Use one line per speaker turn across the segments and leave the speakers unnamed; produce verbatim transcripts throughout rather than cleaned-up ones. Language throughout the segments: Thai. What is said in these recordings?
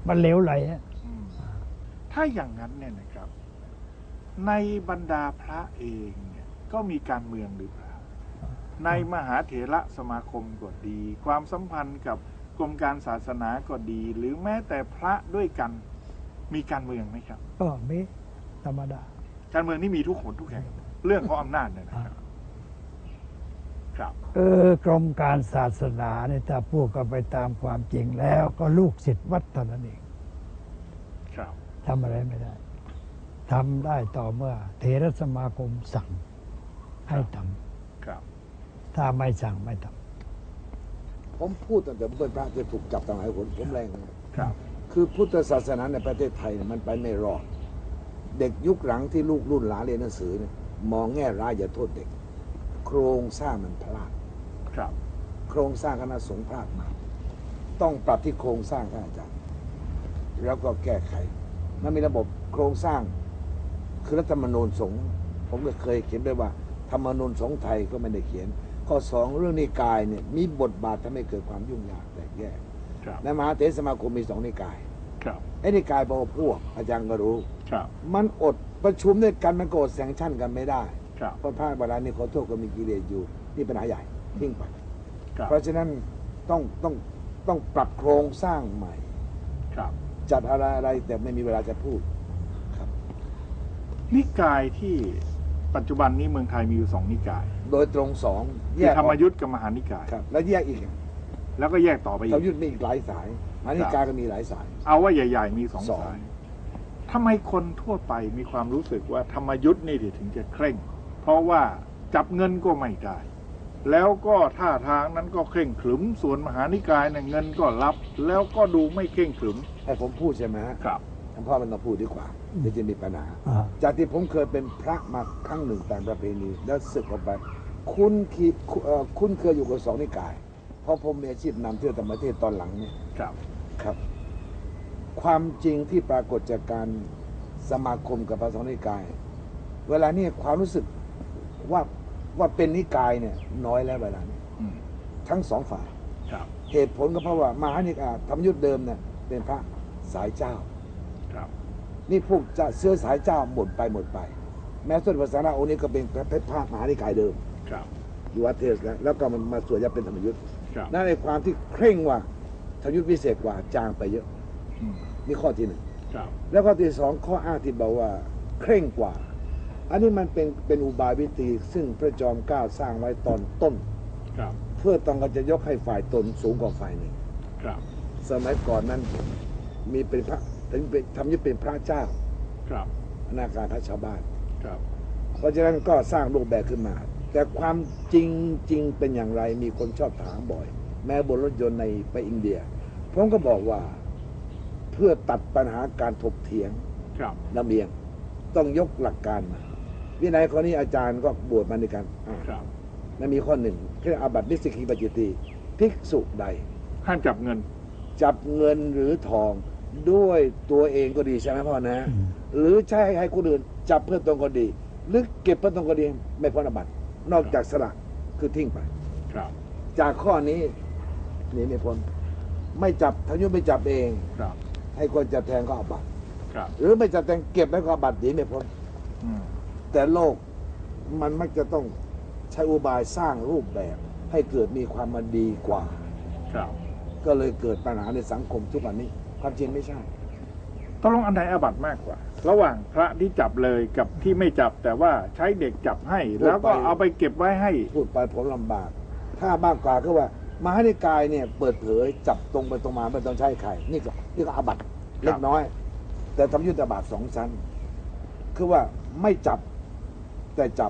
มันเหลวไหลอะ
ถ้าอย่างนั้นเนี่ยนะครับในบรรดาพระเองเนี่ยก็มีการเมืองหรือเปล่าในมหาเถระสมาคมก็ดีความสัมพันธ์กับกรมการศาสนาก็ดีหรือแม้แต่พระด้วยกันมีการเมืองไหมครับ
ก็มีธรรมดา
การเมืองนี่มีทุกคนทุกแห่งเรื่องของอำนาจเนี่ยนะครับครับ
เออกรมการศาสนาเนี่ยถ้าพูดกันไปตามความจริงแล้วก็ลูกศิษย์วัดเท่านั้นเอง
ครับ
ทำอะไรไม่ได้ทำได้ต่อเมื่อเถรสมาคมสั่งให้ท
ำครับ
ถ้าไม่สั่งไม่ท
ำผมพูดตั้งแต่เป็นพระจะถูกจับตั้งหลายคนผมแรง
ครับ
คือพุทธศาสนาในประเทศไทยมันไปไม่รอดเด็กยุคหลังที่ลูกรุ่นหลานเรียนหนังสือเนี่ยมองแง่ร้ายอย่าโทษเด็กโครงสร้างมันพลาด
ครับ
โครงสร้างคณะสงฆ์พลาดมาต้องปรับที่โครงสร้างท่านอาจารย์แล้วก็แก้ไขมันมีระบบโครงสร้างคือรัฐธรรมนูญสงฆ์ผมก็เคยเขียนด้วยว่าธรรมนูญสงฆ์ไทยก็ไม่ได้เขียนข้อสองเรื่องนิกายเนี่ยมีบทบาททำให้เกิดความยุ่งยากแตกแยกในมหาเถรสมาคมมีสองนิกายไอ้นิกายพอพวกอาจารย์ก็รู้มันอดประชุมด้วยกันมันก็อดแซงชั่นกันไม่ได้เพราะพระบาลานี่ขอโทษก็มีกิเลสอยู่นี่ปัญหาใหญ่ทิ้งไปเพราะฉะนั้นต้องต้องต้องปรับโครงสร้างใหม่จัดอะไรอะไรแต่ไม่มีเวลาจะพูดครับ
นิกายที่ปัจจุบันนี้เมืองไทยมีอยู่สองนิกาย
โดยตรงสอง
แยกธรรมยุทธกับมหานิกาย
แล้วแยกอีก
แล้วก็แยกต่อไปอีก
ธรรมยุทธมีอีกหลายสายมหานิกายก็มีหลายสาย
เอาว่าใหญ่ๆมีสองสายทำไมคนทั่วไปมีความรู้สึกว่าธรรมยุทธนี่ถึงจะเคร่งเพราะว่าจับเงินก็ไม่ได้แล้วก็ท่าทางนั้นก็เคร่งขรึมส่วนมหานิกายเนี่ยเงินก็รับแล้วก็ดูไม่เคร่งขรึม
ให้ผมพูดใช่ไหม
ครับ
ท่านพ่อมันต้องพูดดีกว่าเดี๋ยวจะมีปัญหาจากที่ผมเคยเป็นพระมาครั้งหนึ่งตามประเพณีแล้วศึกออกไปคุณคิดคุณเคยอยู่กับสองนิกายเพราะผมมีอาชีพนำเที่ยวต่างประเทศตอนหลังเนี่ย
ครับ
ครับความจริงที่ปรากฏจากการสมาคมกับพระสองนิกายเวลานี้ความรู้สึกว่าว่าเป็นนิกายเนี่ยน้อยแล้วเวลานี้ทั้งสองฝ่ายเหตุผลก็เพราะว่ามหานิกายธรรมยุทธเดิมเนี่ยเป็นพระสายเจ้านี่พวกจะเสื้อสายเจ้าหมดไปหมดไปแม้ส่วนภาษาองค์นี้ก็เป็นพระพระมหานิกายเดิมอยู่วัดเทศแล้วแล้วก็มันมาสวยจะเป็นธรรมยุทธนั่นในความที่เคร่งว่าธรรมยุทธพิเศษกว่าจางไปเยอะนี่ข้อที่หนึ่งแล้วข้อที่สองข้ออ้างที่บอกว่าเคร่งกว่าอันนี้มันเป็นเป็นอุบายวิธีซึ่งพระจอมเกล้าสร้างไว้ตอนต้นเพื่อต้องการจะยกให้ฝ่ายตนสูงกว่าฝ่ายหนึ่งสมัยก่อนนั้นมีเป็นพระถึงเป็นทำยึดเป็นพระเจ้าอนาการพระชาวบ้านเพราะฉะนั้นก็สร้างรูปแบบขึ้นมาแต่ความจริงจริงเป็นอย่างไรมีคนชอบถามบ่อยแม้บนรถยนต์ในไปอินเดียผมก็บอกว่าเพื่อตัดปัญหาการถกเถียงลำเอียงต้องยกหลักการมาวินัยข้อนี้อาจารย์ก็บวชมาในการนั่นมีข้อหนึ่งคืออาบัตินิสกิปัจจิตีภิกษุใด
ห้ามจับเงิน
จับเงินหรือทองด้วยตัวเองก็ดีใช่ไหมพ่อนะหรือใช้ให้คนอื่นจับเพื่อตนก็ดีหรือเก็บเพื่อตนก็ดีไม่พ้นอาบัตินอกจากสละคือทิ้งไปจากข้อนี้นี่ไม่พ้นไม่จับทายุไม่จับเองให้คนจับแทนก็อาบัติหรือไม่จับแทนเก็บแล้วก็อาบัติหนีไม่พ้นแต่โลกมันมักจะต้องใช้อุบายสร้างรูปแบบให้เกิดมีความมันดีกว่าก็เลยเกิดปัญหาในสังคมทุกวันนี้ความจริงไม่ใช่
ต้องลงอันใดอาบัติมากกว่าระหว่างพระที่จับเลยกับที่ไม่จับแต่ว่าใช้เด็กจับให้แล้วก็เอาไปเก็บไว้ให้
พูดไปผมลำบากถ้ามากกว่าก็ว่ามหานิกายเนี่ยเปิดเผยจับตรงไปตรงมาไม่ต้องใช้ใครนี่ก็นี่ก็อาบัติเล็กน้อยแต่ทำยุทธบาทสองชั้นคือว่าไม่จับแต่จับ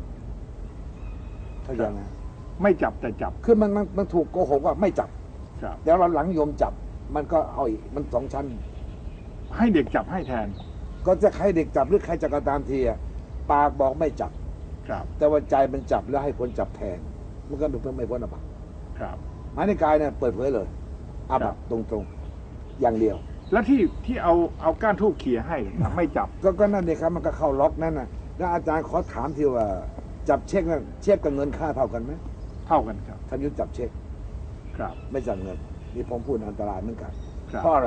เข้าใจไหม
ไม่จับแต่จับ
คือมันมันมันถูกโกหกว่าไม่จับแต่เราหลังโยมจับมันก็เอาอีกมันสองชั้น
ให้เด็กจับให้แทน
ก็จะใครเด็กจับหรือใครจะกระตามทีอะปากบอกไม่จับแต่ว่าใจมันจับแล้วให้คนจับแทนมันก็ดูเพื่อไม่พ้นอาบัติมหานิกายเนี่ยเปิดเผยเลยอาบัติตรงๆอย่างเดียว
แล้วที่ที่เอาเอาก้านทูบเขี่ยให้ไม่จับ
ก็ก็นั่นเองครับมันก็เข้าล็อกนั่นน่ะแล้วอาจารย์ขอถามทีว่าจับเช็คนั่นเช็คกับเงินค่าเท่ากันไหม
เท่ากันครับ
ทำยุทธจับเช็ค
ครับ
ไม่จับเงินนี่ผมพูดอันตรายเหมือนกันเพราะอะไร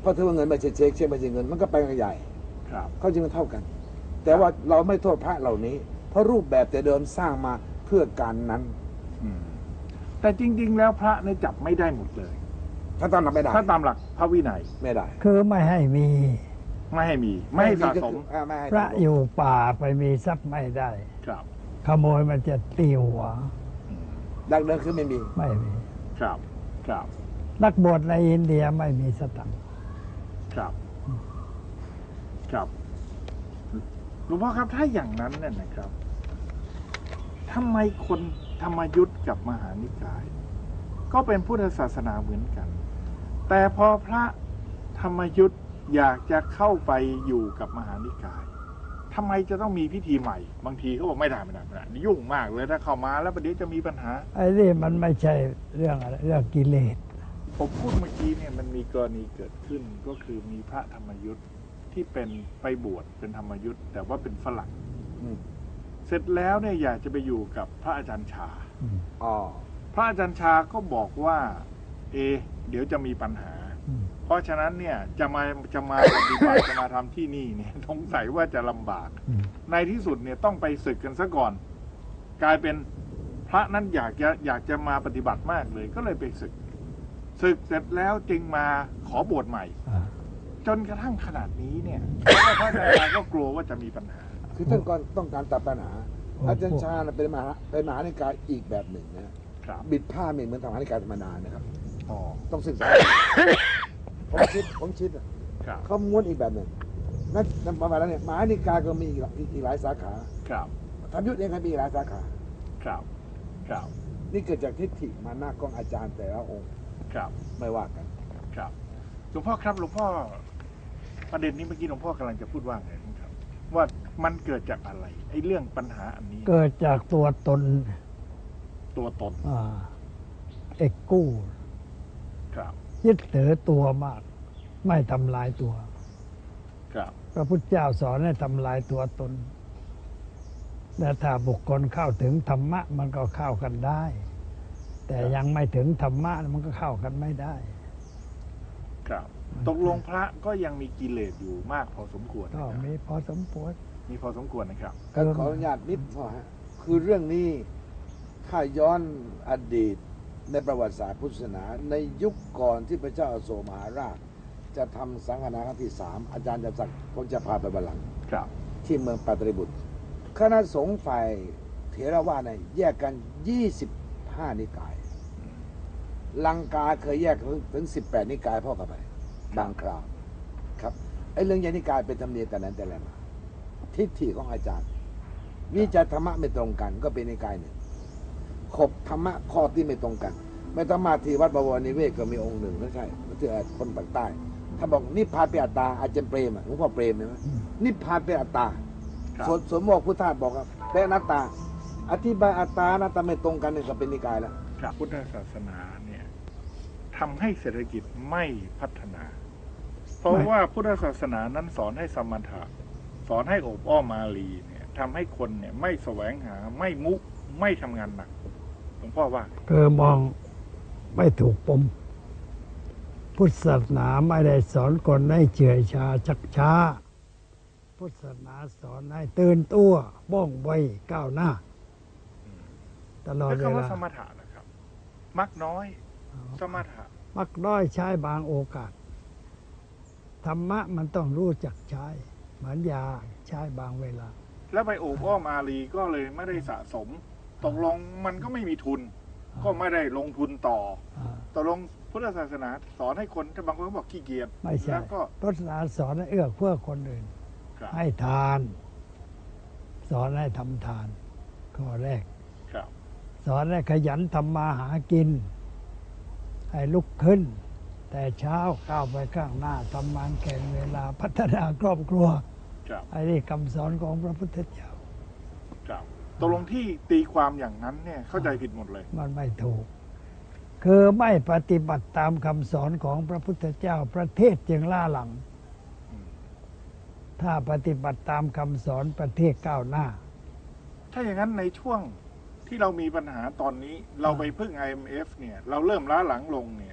เพราะถือว่าเงินไม่ใช่เช็คเช็คไม่ใช่เงินมันก็ไปกันใหญ่
ครับ
เขาจึงเท่ากัน แต่ว่าเราไม่โทษพระเหล่านี้ เพราะรูปแบบแต่เดิมสร้างมาเพื่อการนั้น
อืมแต่จริง ๆ แล้วพระเนี่ยจับไม่ได้หมดเลย
ถ้าตามหลักไม่ได้
ถ้าตามหลักพระวินัย
ไม่ได้
คือไม่ให้มี
ไม่ให้มี ไม่ให้สะสม
อ่าไม่ให้
พระอยู่ป่าไปมีทรัพย์ไม่ได้
ครับ
ขโมยมันจะตีหัว
อืม
ดังเดิมคือไม่มี
ไม่มี
ครับ ครับ
นักบวชในอินเดียไม่มีสตังค์
ครับ ครับหลวงพ่อครับถ้าอย่างนั้นเนี่ยนะครับทำไมคนธรรมยุทธ์กับมหานิกาย ก็เป็นพุทธศาสนาเหมือนกัน แต่พอพระธรรมยุทธ์อยากจะเข้าไปอยู่กับมหานิกายทำไมจะต้องมีพิธีใหม่ บางทีเขาบอกไม่ได้ไม่ได้ไม่ได้นี่ยุ่งมากเลยถ้าเข้ามาแล้วประเดี๋ยวจะมีปัญหา
ไอ้นี่มันไม่ใช่เรื่องอะไรเรื่องกิเลส
ผมพูดเมื่อกี้เนี่ยมันมีกรณีเกิดขึ้นก็คือมีพระธรรมยุทธ์ที่เป็นไปบวชเป็นธรรมยุทธ์แต่ว่าเป็นฝรั่ง
อืม
เสร็จแล้วเนี่ยอยากจะไปอยู่กับพระอาจารย์ชา
อืม
อ๋อ
พระอาจารย์ชาก็บอกว่า เอะเดี๋ยวจะมีปัญหา
อืม
เพราะฉะนั้นเนี่ยจะมาจะมาปฏิบัติจะมาทำที่นี่เนี่ยสงสัยว่าจะลำบาก
อืม
ในที่สุดเนี่ยต้องไปศึกกันซะก่อน กลายเป็นพระนั้นอยากจะอยากจะมาปฏิบัติมากเลย ก็เลยไปศึกศึกเสร็จแล้วจึงมาขอบวชใหม่
อ่า
จนกระทั่งขนาดนี้เนี่ยพระอาจารย์ก็กลัวว่าจะมีปัญหา
คือต้องการต้องการตัดปัญหา
โอ้
อาจารย์ชาญเป็นมหาเป็นมหานิกายอีกแบบหนึ่งนะครับ บิดผ้าไม่เหมือนทางมหานิกายธรรมดานะครับ
อ๋อ
ต้องศึกษา ผมชิดผมชิดอะ
ครับ
เขาม้วนอีกแบบหนึ่งนั่นนั่นประมาณนั้นเนี่ยมหานิกายก็มีอีกหลายอีกหลายสาขา
ครับ
ธรรมยุทธ์เองก็มีอีกหลายสาขา
ครับครับ
นี่เกิดจากทิฏฐิมานะของอาจารย์แต่ละองค์
ครับ
ไม่ว่ากัน
ครับหลวงพ่อครับหลวงพ่อประเด็นนี้เมื่อกี้หลวงพ่อกำลังจะพูดว่าไงครับ ว่ามันเกิดจากอะไรไอ้เรื่องปัญหาอันนี้
เกิดจากตัวตน
ตัวตน
อ่าเอกกู้
ครับ
ยึดถือตัวมาก ไม่ทำลายตัว
ครับ
พระพุทธเจ้าสอนให้ทำลายตัวตนและถ้าบุคคลเข้าถึงธรรมะมันก็เข้ากันได้ แต่ยังไม่ถึงธรรมะมันก็เข้ากันไม่ได้
ครับตกลงพระก็ยังมีกิเลสอยู่มากพอสมควร
ก็
นะครับ
มีพอสมควร
มีพอสมควรนะครับ
ก็ขออนุญาตนิดพอฮะคือเรื่องนี้ถ้าย้อนอดีตในประวัติศาสตร์พุทธศาสนา ในยุคก่อนที่พระเจ้าอโศกมหาราช จะทำสังฆนาครั้งที่สามอาจารย์จำศักดิ์ผมจะพาไปบัลลังก์
ครับ
ที่เมืองปาตริบุตรคณะสงฆ์ฝ่ายเถรวาทเนี่ยแยกกันยี่สิบห้านิกาย ลังกาเคยแยกถึงสิบแปดนิกายพ่อเข้าไปบางคราวครับไอ้เรื่องแยกนิกายเป็นธรรมเนียมแต่นั้นแต่ละมาทิฏฐิของอาจารย์ วิจารธรรมะไม่ตรงกันก็เป็นนิกายหนึ่งขบธรรมะข้อที่ไม่ตรงกัน ไม่ต้องมาที่วัดบวรนิเวศก็มีองค์หนึ่งไม่ใช่ที่คนปากใต้ถ้าบอกนิพพานเป็นอัตตาอาจารย์เปรมอ่ะหลวงพ่อเปรมใช่ไหมนิพพานเป็นอัตตา
ครับ
ส่วนส่วนโมกพุทธาสบอกว่าเป็นอนัตตา อธิบายอัตตาอนัตตาไม่ตรงกันเนี่ยก็เป็นนิกายแล้ว
ครับพุทธศาสนาเนี่ยทำให้เศรษฐกิจไม่พัฒนา เพราะ
ไม่
ว่าพุทธศาสนานั้นสอนให้สมถะสอนให้โอบอ้อมมาลีเนี่ยทำให้คนเนี่ยไม่แสวงหาไม่มุไม่ทำงานหนักหลวงพ่อว่า
คือมองไม่ถูกปม พุทธศาสนาไม่ได้สอนคนให้เฉื่อยชาชักช้า พุทธศาสนาสอนให้ตื่นตัวบ้องไวก้าวหน้า ตลอด
แล้ว
เว
คำว่า
ลา
สมถะนะครับ มักน้อย สมถะ
มักน้อยใช้บางโอกาส ธรรมะมันต้องรู้จักใช้ เหมือนยาใช้บางเวลา
แล้วไปโอบอ้อมอารีก็เลยไม่ได้สะสม ตกลงมันก็ไม่มีทุน ก็ไม่ได้ลงทุนต่อ
อ่า
ตกลงพุทธศาสนาสอนให้คนถ้าบางคนก็บอกขี้เกียจ
ไม่ใช่
แล้วก็
พุทธศาสนาสอนให้เอื้อเพื่อคนอื่น
ครับ
ให้ทาน สอนให้ทำทาน ข้อแรก
ครับ
สอนให้ขยันทำมาหากิน ให้ลุกขึ้น แต่เช้าก้าวไปข้างหน้าทำงานแข่งเวลาพัฒนาครอบครัว
ครับ
ไอ้นี่คำสอนของพระพุทธเจ้า
ครับตกลงที่ตีความอย่างนั้นเนี่ยเข้าใจผิดหมดเลย
มันไม่ถูก คือไม่ปฏิบัติตามคำสอนของพระพุทธเจ้า ประเทศจึงล่าหลัง
อืม
ถ้าปฏิบัติตามคำสอนประเทศก้าวหน้า
ถ้าอย่างนั้นในช่วงที่เรามีปัญหาตอนนี้ เราไปพึ่ง ไอ เอ็ม เอฟ เนี่ย เราเริ่มล้าหลังลงเนี่ย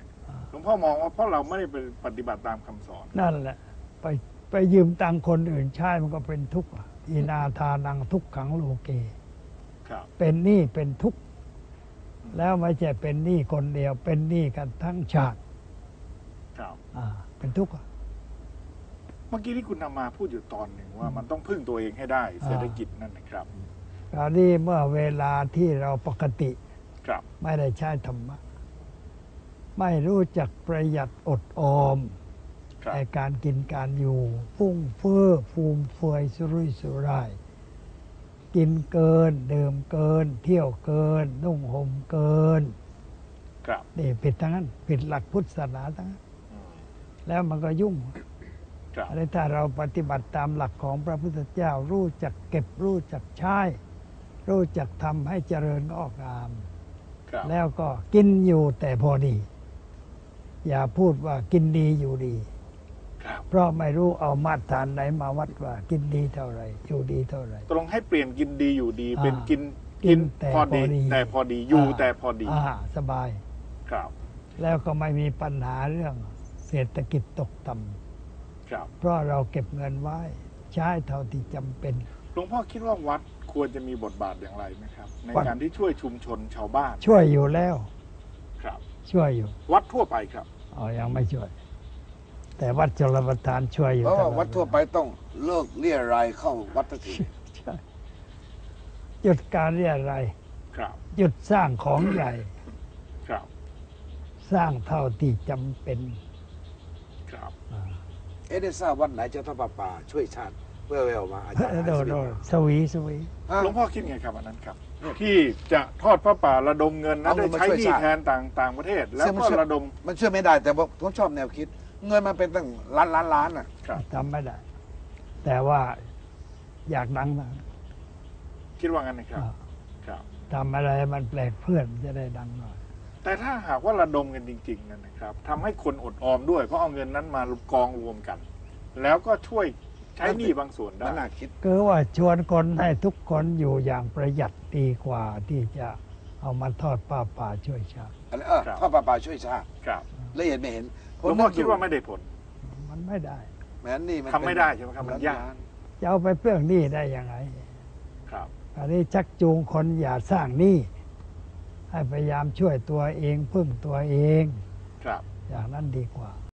หลวงพ่อมองว่าเพราะเราไม่ได้ไปปฏิบัติตามคำสอน
นั่นแหละ ไปไปยืมตังค์คนอื่นใช้มันก็เป็นทุกข์อะอีนาทานังทุกขังโลเก
ครับ
เป็นหนี้เป็นทุกข์แล้วไม่ใช่เป็นหนี้คนเดียว เป็นหนี้กันทั้งชาติ
ครับ
อ่าเป็นทุกข์อะ
เมื่อกี้ที่คุณนำมาพูดอยู่ตอนหนึ่งว่ามันต้องพึ่งตัวเองให้ได้เศรษฐกิจนั่นนะครับ
คราวนี้เมื่อเวลาที่เราปกติ
ครับ
ไม่ได้ใช้ธรรมะ ไม่รู้จักประหยัดอดออม
ครับ
ในการกินการอยู่ฟุ่งเฟื่อฟูมเฟือยสุรุ่ยสุร่าย กินเกินดื่มเกิน เที่ยวเกิน นุ่งห่มเกิน
ครับ
นี่ผิดทั้งนั้น ผิดหลักพุทธศาสนาทั้งนั้น
อืม
แล้วมันก็ยุ่ง
ครับ
อันนี้ถ้าเราปฏิบัติตามหลักของพระพุทธเจ้า รู้จักเก็บรู้จักใช้ รู้จักทำให้เจริญงอกงาม
ครับ
แล้วก็กินอยู่แต่พอดี อย่าพูดว่ากินดีอยู่ดี
ครับ
เพราะไม่รู้เอามาตรฐานไหนมาวัดว่า กินดีเท่าไหร่อยู่ดีเท่าไหร่
ตรงให้เปลี่ยนกินดีอยู่ดี
อ่า
เป็นกิน
กินแต่
พอดี
พอดี
แต่พอดีอยู่
อ่า
แต่พอดี
อ่าสบาย
ครับ
แล้วก็ไม่มีปัญหาเรื่องเศรษฐกิจตกต่
ครับ
ำเพราะเราเก็บเงินไว้ ใช้เท่าที่จำเป็น
หลวงพ่อคิดว่าวัดควรจะมีบทบาทอย่างไรไหมครับ ใน
วัด
การที่ช่วยชุมชนชาวบ้าน
ช่วยอยู่แล้ว
ครับ
ช่วยอยู่
วัดทั่วไปครับ
อ๋อยังไม่ช่วย แต่วัดชลประทานช่วยอยู่
เพราะว่า
ตลอ
วัดทั่วไปต้องเลิกเลี่ยรายเข้าวัดทันที
ใช่หยุดการเรียอะไรย
ครับ
หยุดสร้างของใหญ่
ครับ
สร้างเท่าที่จำเป็น
ครับ
อ่า
เอ๊ะได้ทราบวัดไหนจะทอดผ้าป่าช่วยชาติแว่วๆมาอาจารย์
โดนโดนสวีสวี
ฮะ
หลวงพ่อคิดไงครับอันนั้นครับ ที่จะทอดพระป่าระดมเงินนะ
เอาเงิ
ได้
นมา
ใช้
ช่วย
หนี้
ชาติ
แทนต่างต่างประเทศ แล้ว
ซึ่งมัน
ก็
ช่วย
ระดม
มันช่วยไม่ได้แต่ว่าผมชอบแนวคิด เงินมันเป็นตั้งล้านล้านล้านอ่ะ
ครับ
ทำไม่ได้ แต่ว่าอยากดังนะ
คิดว่างั้นนะครับ
อ่า
ครับ
ทำอะไรมันแปลกเพื่อนจะได้ดังหน่อย
แต่ถ้าหากว่าระดมกันจริงๆนั่นนะครับทำให้คนอดออมด้วย เพราะเอาเงินนั้นมากองรวมกัน แล้วก็ช่วยใช้หนี้บางส่วนได้
มันน่าคิด
คือว่าชวนคนให้ทุกคนอยู่อย่างประหยัดดีกว่าที่จะเอามาทอดป้าป่าช่วยชาติ
อะไรเออทอดผ้าป่าช่วยชาติ
ครับ
ละเอียดไม่เห็น
หลวงพ่อคิดว่าไม่ได้ผล
มันไม่ได้
แม้นี่มัน
ทำไม่ได้ใช่ไหมครับมันยาก
จะเอาไปเปลื้องหนี้ได้ยังไง
ครับ
อันนี้ชักจูงคนอย่าสร้างหนี้ให้พยายามช่วยตัวเองพึ่งตัวเอง
ครับ
อย่างนั้นดีกว่า